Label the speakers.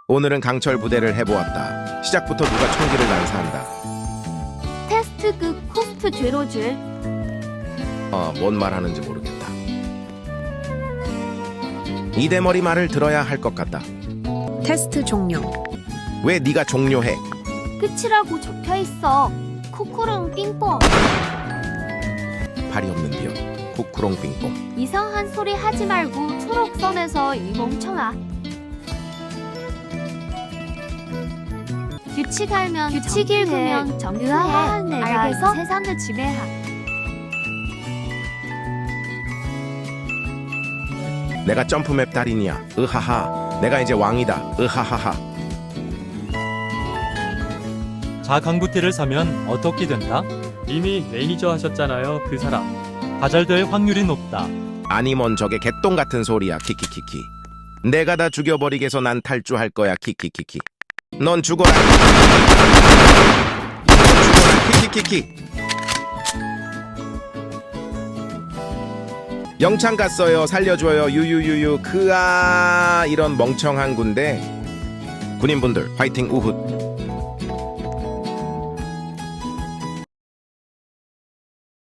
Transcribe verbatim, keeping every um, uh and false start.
Speaker 1: 오늘은 강철 부대를 해보았다. 시작부터 누가 총기를 난사한다.
Speaker 2: 테스트 그 코스트 제로줄.
Speaker 1: 어, 뭔 말하는지 모르겠다. 이대머리 말을 들어야 할 것 같다.
Speaker 3: 테스트 종료.
Speaker 1: 왜 네가 종료해?
Speaker 2: 끝이라고 적혀있어. 코코롱 삥뽕.
Speaker 1: 팔이 없는 비어. 쿠쿠롱 빙뽕.
Speaker 2: 이상한 소리 하지 말고 초록선에서 이 멍청아. 규칙 알면 규칙 읽으면 정의해. 알겠어? 세상을 지배하.
Speaker 1: 내가 점프맵 달인이야. 으하하. 내가 이제 왕이다. 으하하하.
Speaker 4: 자강부티를 사면 어떻게 된다?
Speaker 5: 이미 매니저 하셨잖아요, 그 사람.
Speaker 4: 가절될 확률이 높다.
Speaker 1: 아니 뭔 저게 개똥 같은 소리야. 키키키키. 내가 다 죽여버리게서 난 탈주할 거야. 키키키키. 넌 죽어라. 넌 죽어라. 키키키키. 영창 갔어요. 살려줘요. 유유유유. 그아 이런 멍청한 군대. 군인분들 화이팅 우훗.